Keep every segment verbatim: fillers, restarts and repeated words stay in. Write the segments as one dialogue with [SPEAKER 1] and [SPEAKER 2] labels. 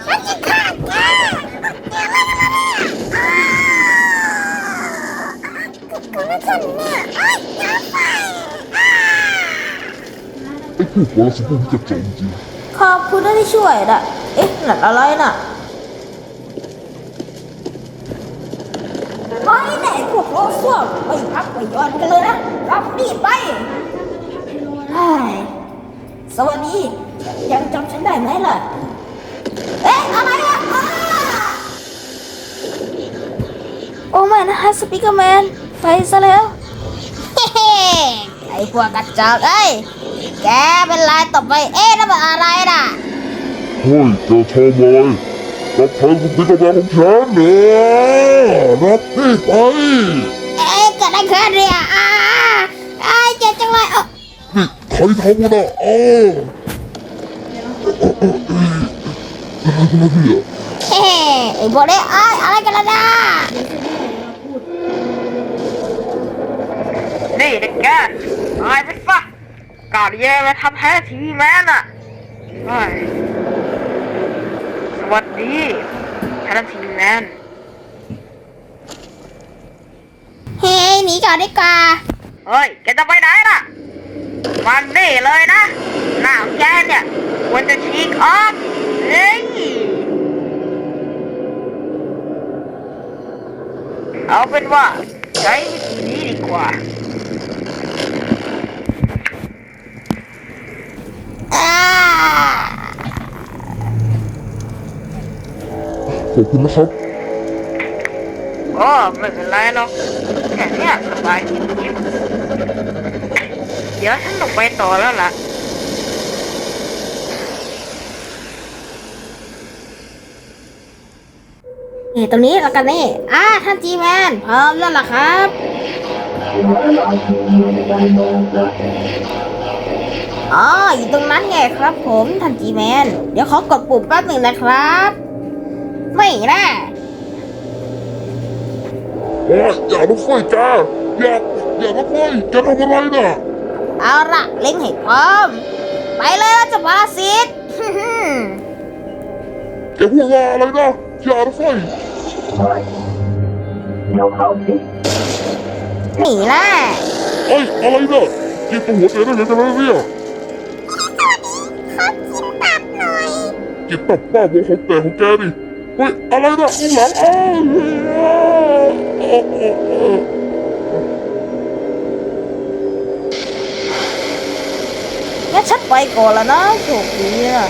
[SPEAKER 1] ฉันจะฆ่าแกแกอะไรกันล่ะเนี่ยกูไม่ฉันเนี่ยไอ้ยาไฟ
[SPEAKER 2] ไอ้พวกวรสพวกนี้จะจมจริง
[SPEAKER 3] ขอบคุณที่ช่วยนะเอ๊ะนั่นอะไรน่ะไปไหนพวกโลซ่วมไปพักไปย้อนกันเลยนะรับนี่ไปสวัสดียังจำฉันได้ไหมล่ะเอ๊ะอะไรอ่ะโอ้ไม่นะฮะสปีกเกอร์แมนไปซะแล้วเฮ้ไอ้พวกกระจอกเอ้ยแกเป็นไรตบไปเอ๊ะนั่นมันอะไรน่ะ
[SPEAKER 2] เฮ้ยจะทำอะไรรับใช้สปีกเกอร์แมนของฉันเนี่ยรับนี่ไป
[SPEAKER 3] เอ๊ะเกิดอะไรขึ้นเนี่ยอ้าไอ้เจ็บจังเลยเออ
[SPEAKER 2] นี่ใครทำนะเอออะไรกันเนี่ย
[SPEAKER 3] เฮ้ไอ้พวกนี้ไอ้อะไรกันล่ะนะ
[SPEAKER 4] นี่เด็กแกตายไปซะกาดแย่มาทำแท้ทีวีแมนอ่ะสวัสดีฉันทีวีแมน
[SPEAKER 3] เฮ้หนีก่อนดีกว่า
[SPEAKER 4] เฮ้ยแกจะไปไหนล่ะมันนี่เลยนะหน้าของแกเนี่ยควรจะฉีกออกเฮ้ยเอาเป็นว่าใช้วิธีนี้ดีกว่า
[SPEAKER 2] ขอบคุณนะครับ
[SPEAKER 4] โอ้ไม่เป็นไรหรอกแค่นี้สบายจริงๆเดี๋ยวฉันต้องไปต่อแล้วล่ะ
[SPEAKER 3] นี่ตรงนี้แล้วกันนี่อ่าท่านจีแมนพร้อมแล้วล่ะครับอ๋ออยู่ตรงนั้นไงครับผมท่านจีแมนเดี๋ยวขอกดปุ่มแป๊บหนึ่งนะครับไม่นะ
[SPEAKER 2] โอ้ยอย่าลุกไฟจ้าอย่าอย่าลุกไฟจะทำอะไรน่ะ
[SPEAKER 3] เอาละเล็งให้พร้อมไปเลยนะเจ้าปรสิต
[SPEAKER 2] แกพูดว่าอะไรนะอย่าลุกไฟ
[SPEAKER 3] หนีละ
[SPEAKER 2] เอ้ยอะไรเนี่ยกินตัวหัวเตะได้เลยกันแล้วเนี่ยกินตับป้าโมของแต่ของแกดิเฮ้ยอะไรนะข้างหลังอ้าว
[SPEAKER 3] งั้นฉันไปก่อนแล้วนะโชคดีนะ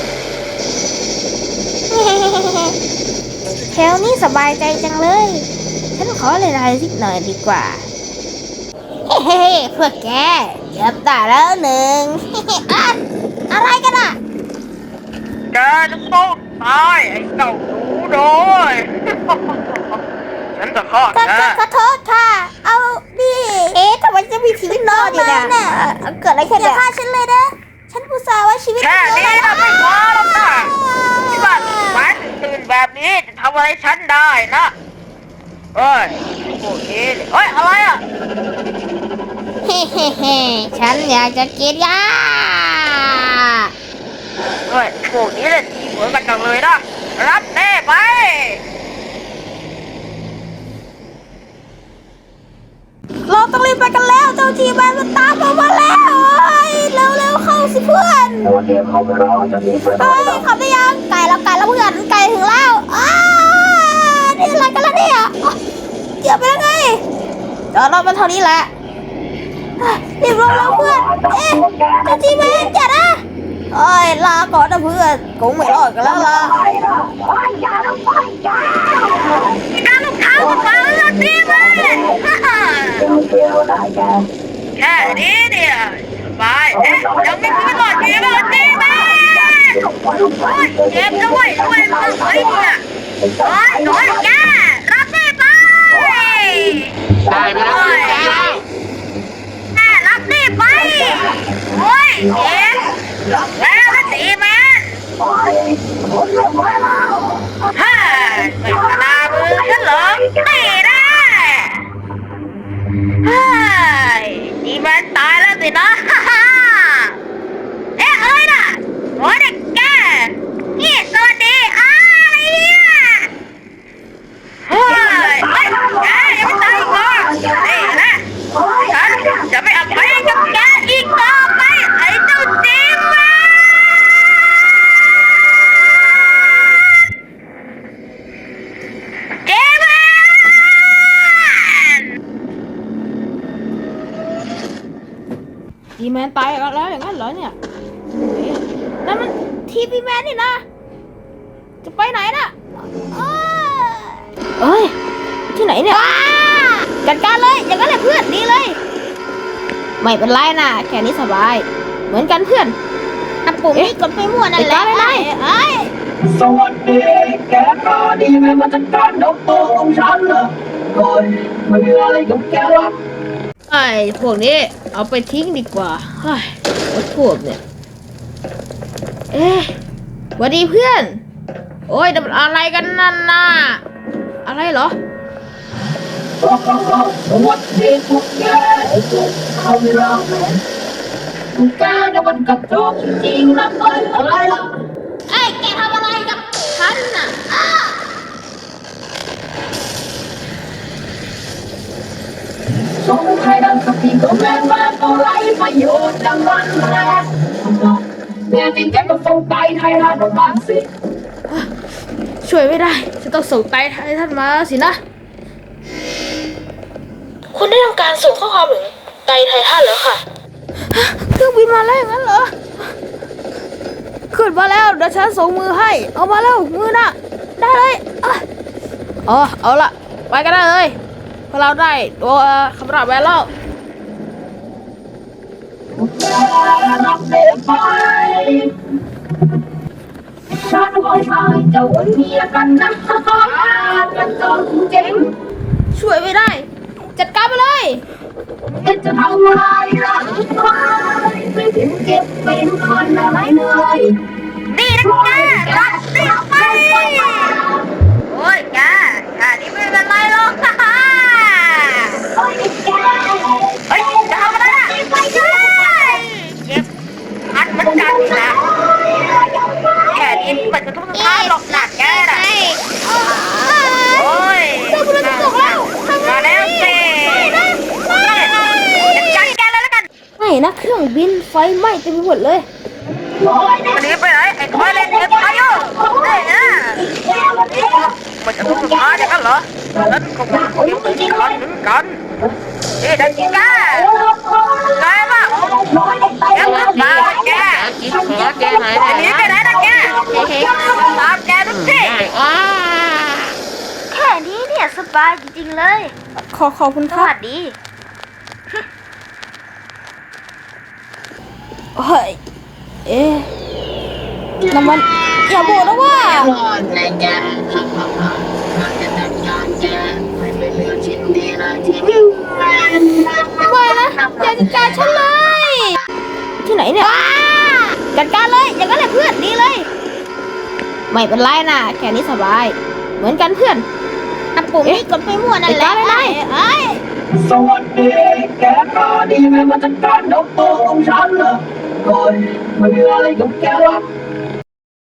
[SPEAKER 3] แถวนี้สบายใจจังเลยฉันขอเล่นอะไรสักหน่อยดีกว่าเฮ้เพื่อแกเก็บได้แล้วหนึ่งอะไรกันอ่ะ
[SPEAKER 4] แกจะต้องตายไอ้เจ้าหนูโดยฉันจะฆ่าแก
[SPEAKER 3] ขอโทษค่ะเอาดิเอ๊ะทำไมจะมีชีวิตรอดอยู่เนี่ยเกิดอะไรขึ้นเนี่ยอย่าฆ่าฉันเลยนะฉันผู้สาวว่าชีวิต
[SPEAKER 4] แค่นี้นะไม่พอหรอกนะที่บ้านหมายตื่นแบบนี้จะทำอะไรฉันได้นะเอ้ยโอเคเฮ้ยอะไรอ่ะ
[SPEAKER 3] เฮ้เฮ้เฮ้ฉันอยากจะกินยา
[SPEAKER 4] เฮ้ยพวกนี้เล่นทีเหมือนกันจังเลยนะรับแน่ไป
[SPEAKER 3] เราต้องรีบไปกันแล้วเจ้าจีแมนมันตามเรามาแล้วเร็วเร็วเข้าสิเพื่อนเฮ้ยขับได้ยังไก่แล้วไก่แล้วเพื่อนไก่ถึงแล้วอ้านี่อะไรกันล่ะเนี่ยเกี่ยวไปแล้วไงจอดรถมันเท่านี้แหละรีบลงแล้วเพื่อนเอ๊ะเจ้าจีแมนอย่านะเอ้ยลาก่อนนะเพื่อนคงไม่รอดกันแล้วล่ะ
[SPEAKER 4] การลูกค้ามาฟังแล้วดีไหมแค่นี้เนี่ยสบายเอ๊ะยังไม่มีหลอดดีหลอดดีไหมเจ็บแล้วเว้ยด้วยมึงเฮ้ยเนี่ยโอ้ยโอ้ยแกรับได้ไปได้ไปแล้วแกรับได้ไปโอ้ยเจ็บแล้วมันดีไหมฮ่าไม่ขนาดมือฉันเหรอตีได้ฮ่าดีมันตายแล้วสินะฮ่าฮ่าเอ๊ะเอ้ยน่ะโอ้ยเด็กแกนี่สวัสดีอ้า
[SPEAKER 3] ทีแมนตายแล้วอย่างนั้นเหรอเนี่ยเอ๊ะนั่นมันทีพีแมนนี่นะจะไปไหนน่ะอ้าเอ้ยที่ไหนเนี่ยจัดการเลยอย่างนั้นแหละเพื่อนดีเลยไม่เป็นไรนะแค่นี้สบายเหมือนกันเพื่อนอ่ะปุ่มนี้กดไปมั่วนั่นแหละไอ้ไอ้
[SPEAKER 5] สวัสดีแกก็ดีไหมมาจัดการนกตัวของฉันเหรอคนไม่มีอะไรกับแกหรอก
[SPEAKER 3] ไอ้พวกนี้เอาไปทิ้งดีกว่าเฮ้ยไอ้พวกเนี่ยเอ๊ะสวัสดีเพื่อนโอ้ยนั่นมันอะไรกันนั่นน่ะอะไรเหรอ
[SPEAKER 5] สวัสดีพวกแกเขาไม่รอดเลยพวกแกเนี่ยมันกระจอกจริงๆนะไปอะไรล่ะ
[SPEAKER 3] ไอ้แกทำอะไรกับฉันน่ะอ้า
[SPEAKER 5] สงสัยดังกับพี่ก็แม่มาก็ไรประโยชน์ดังนั้นแหละแน่จริงแกก็ส่งไปไทยรัฐบ้างสิ
[SPEAKER 3] ช่วยไม่ได้จะต้องส่งไตให้ท่านมาสินะคุณได้ทำการส่งข้อความถึงไตไททันแล้วค่ะเครื่องบินมาแล้วอย่างนั้นเหรอขึ้นมาแล้วเดี๋ยวฉันส่งมือให้เอามาแล้วมือน่ะได้เลยอ่ะอ๋อเอาละไปกันได้เลยพวกเราได้ตัวคำรับแวร์แล้ว
[SPEAKER 5] รับเสียไปฉันขอให้เจ้าวันเมียกันนะกันจนเจ๋ง
[SPEAKER 3] ช่วยไม่ได้ จัดการไปเลย
[SPEAKER 5] จะทำอะไรล่ะไม่ถึงเก็บเป็นคนอะไรเหนื่อย
[SPEAKER 4] นี่นะแกรับสิไปโอ้ยแกแค่นี้ไม่เป็นไรหรอกฮ่าฮ่า
[SPEAKER 5] โอ้ยแก
[SPEAKER 4] เฮ้ยจะทำอะไรอ่ะไปเลยเจ็บอัดเหมือนกันนะแค่นี้มันจะต้องทำหรอกหนักแกน่ะโอ้ยมาแล้วสิจัดการแกเลยแล้วกัน
[SPEAKER 3] ไม่นะเครื่องบินไฟไหม้เต็มไปหมดเลย
[SPEAKER 4] วันนี้ไปไหนไอ้ทอยเล่นเอ็มไอโอเฮ้ยนะมันจะต้องทำอย่างนั้นเหรอนั้นก็เป็นคนที่เหมือนกันเหมือนกันเฮ้ยดังก้าไงบ้างแกมาบ้าแกกินหัวแกไหนอันนี้ไปไหนนะแกตามแกดูสิแค่นี้เนี่ยสบายจริงๆเลย
[SPEAKER 3] ขอขอบคุณ
[SPEAKER 4] ส
[SPEAKER 3] ครับ
[SPEAKER 4] วัสดี
[SPEAKER 3] เฮ้ยเอ๊ะน้ำมันอย่าบอกนะว่า
[SPEAKER 5] รอดเลยแกจะจัดการแกไม่เป็นเรื่องชิ้นดีเลยที่นี่
[SPEAKER 3] ไม่นะอย่าจัดการฉันเลย ที่ไหนเนี่ยจัดการเลยอย่างนั้นแหละเพื่อนดีเลย ไม่เป็นไรนะแค่นี้สบายเหมือนกันเพื่อนอ่ะปุ่มนี้กดไปมั่วนั่นแหละไอ้ไอ้
[SPEAKER 5] สวัสดีแกก็ดีไหมมาจัดการนกตัวของฉันเหรอคนไม่มีอะไรกับแกหรอก